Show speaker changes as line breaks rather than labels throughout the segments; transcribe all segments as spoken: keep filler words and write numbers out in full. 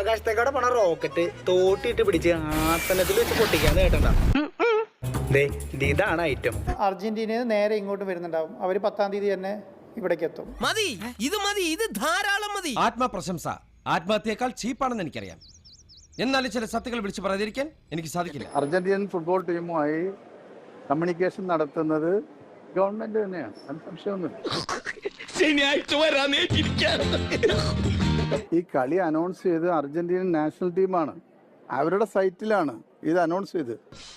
ആകാശത്തേക്കോടെ പോണ റോക്കറ്റ് തോട്ടിട്ട് പിടിച്ച് ആസനത്തിൽ വെച്ച് പൊട്ടിക്കാന്ന് കേട്ടണ്ട. ഇതാണ് ഐറ്റം.
അർജന്റീനയിൽ നേരെ ഇങ്ങോട്ട് വരുന്നുണ്ടാവും. അവര് പത്താം തീയതി തന്നെ ഇവിടേക്ക് എത്തും.
മതി, ഇത് മതി, ഇത് ധാരാളം മതി.
ആത്മപ്രശംസ ആത്മഹത്യയേക്കാൾ ചീപ്പാണെന്ന് എനിക്കറിയാം. എന്നാലും ചില സത്യങ്ങൾ വിളിച്ചു പറയാതിരിക്കാൻ എനിക്ക് സാധിക്കില്ല.
അർജന്റീനൻ ഫുട്ബോൾ ടീമുമായി കമ്മ്യൂണിക്കേഷൻ നടത്തുന്നത് ഗവൺമെന്റ് തന്നെയാണ്, സംശയമൊന്നുമില്ല. ഈ കളി അനൗൺസ് ചെയ്ത് അർജന്റീനൻ നാഷണൽ ടീമാണ്, അവരുടെ സൈറ്റിലാണ് ഇത് അനൗൺസ് ചെയ്ത്.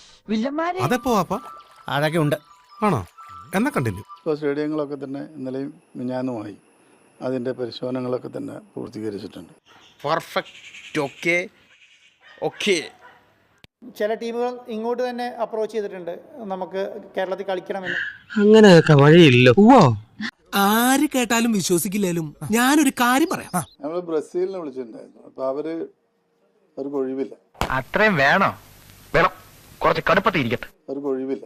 അതൊക്കെ ഉണ്ട് ആണോ? എന്നാ കണ്ടിന്യൂ.
ഇപ്പോൾ സ്റ്റേഡിയങ്ങളൊക്കെ തന്നെ ഇന്നലെയും മിഞ്ഞാന്നുമായി അതിൻ്റെ പരിശോധനകളൊക്കെ തന്നെ പൂർത്തീകരിച്ചിട്ടുണ്ട്.
പെർഫെക്റ്റ്. Okay okay.
ചില ടീമുകൾ ഇങ്ങോട്ട് തന്നെ അപ്രോച്ച് ചെയ്തിട്ടുണ്ട്, നമുക്ക് കേരളത്തിൽ കളിക്കണമെന്ന്.
അങ്ങനെയൊക്കെ വഴിയില്ലോ.
ആര് കേട്ടാലും വിശ്വസിക്കില്ലാലും ഞാനൊരു കാര്യം പറയാം.
നമ്മൾ ബ്രസീലിനെ വിളിച്ചിട്ടുണ്ടായിരുന്നു, അപ്പോൾ അവര് അവർക്ക് ഒഴിവില്ല.
അത്രയും വേണോ? വേണം, കുറച്ച് കടുപ്പത്തിരിക്കട്ടെ.
അവർക്ക് ഒഴിവില്ല.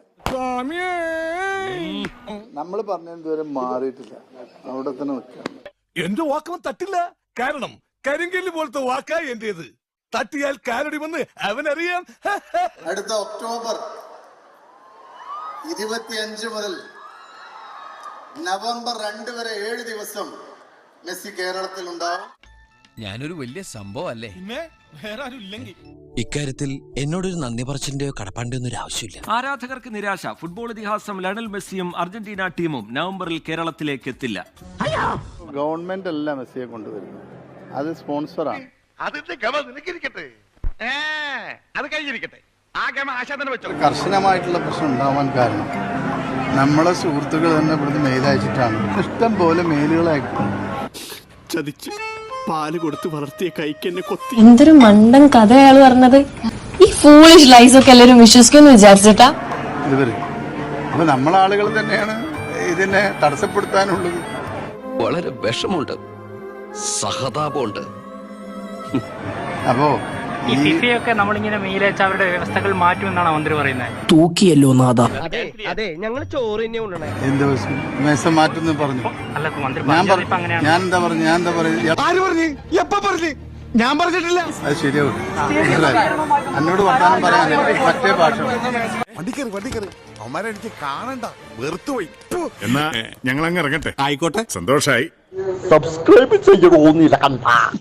നമ്മൾ പറഞ്ഞ ഇതുവരെ മാറിയിട്ടില്ല, അവിടെ തന്നെ നിൽക്കാം.
എന്റെ വാക്കൊന്നും തട്ടില്ല, കാരണം കരിങ്കല്ല് പോലത്തെ വാക്കാ എന്റേത്. തട്ടിയാൽ കാലടി വന്ന് അവനറിയാം.
അടുത്ത ഒക്ടോബർ ഇരുപത്തിയഞ്ച് മുതൽ നവംബർ രണ്ട് വരെ ഏഴ് ദിവസം മെസ്സി കേരളത്തിൽ ഉണ്ടാവും.
ഞാനൊരു വലിയ സംഭവം അല്ലേ?
പിന്നെ വേറെ ആരും ഇല്ലെങ്കിൽ
ഇക്കാര്യത്തിൽ എന്നോടൊരു നന്ദി പറച്ചിന്റെയോ കടപ്പാണ്ടിയോ ഒന്നും ആവശ്യമില്ല.
ആരാധകർക്ക് നിരാശ. ഫുട്ബോൾ ഇതിഹാസം ലയണൽ മെസ്സിയും അർജന്റീന ടീമും നവംബറിൽ കേരളത്തിലേക്ക് എത്തില്ല.
ഗവൺമെന്റ് അല്ല മെസ്സിയെ കൊണ്ടുവരുന്നത്, അത് സ്പോൺസറാണ്.
അതിന്റെ ഗമ നിനക്കിരിക്കട്ടെ, അത് കഴിഞ്ഞിരിക്കട്ടെ. ആ ഗമ ആശാ തന്നെ വെച്ചോ.
കർശനമായിട്ടുള്ള പ്രശ്നം ഉണ്ടാവാൻ കാരണം നമ്മളെ സുഹൃത്തുക്കൾ തന്നെ ഇവിടുന്ന് മെയിലയച്ചിട്ടാണ്. ഇഷ്ടം പോലെ മെയിലുകൾ അയക്കും.
ചതിച്ച് പാല് കൊടുത്ത് വളർത്തിയ കൈക്ക് എന്നെ കൊത്തി.
എന്തൊരു മണ്ടൻ കഥ അയാൾ പറഞ്ഞത്. ഈ ഫൂളിഷ് ലൈസ് ഒക്കെ എല്ലാവരും വിശ്വസിക്കുമെന്ന് വിചാരിച്ചിട്ടാ
ഇവര്. അപ്പൊ നമ്മളാളുകൾ തന്നെയാണ് ഇതിനെ തടസ്സപ്പെടുത്താനുള്ളത്.
വളരെ വിഷമുണ്ട്, സഹതാപമുണ്ട്.
അപ്പോ
ഈ ഫിഫയൊക്കെ നമ്മളിങ്ങനെ മെയിലയച്ച അവരുടെ വ്യവസ്ഥകൾ മാറ്റുമെന്നാണ് മന്ത്രി പറയുന്നത്.
തൂക്കിയല്ലോ നാഥ.
അതെ, ഞങ്ങൾ ചോറ് തന്നെ കൊണ്ടുവന്നേ.
എന്ത് ദിവസം മാറ്റുന്നു പറഞ്ഞു.
അല്ല മന്ത്രി
ഞാൻ
പറഞ്ഞത് ഇപ്പൊ അങ്ങനെയാണ്.
ഞാൻ എന്താ പറഞ്ഞു ഞാൻ എന്താ പറഞ്ഞു
ആര് പറഞ്ഞു? എപ്പ പറഞ്ഞു? ഞാൻ പറഞ്ഞിട്ടില്ല.
അത് ശരിയാവും. എന്നോട് വർത്താനം പറയാൻ മറ്റേ ഭാഷ.
വണ്ടിക്കറി വണ്ടിക്കറി അവന്മാരെ എനിക്ക് കാണണ്ട, വെറുത്തുപോയി. എന്നാ ഞങ്ങൾ അങ്ങ് ഇറങ്ങട്ടെ. ആയിക്കോട്ടെ, സന്തോഷായി.
സബ്സ്ക്രൈബ് ചെയ്യണോന്നില്ല കണ്ട.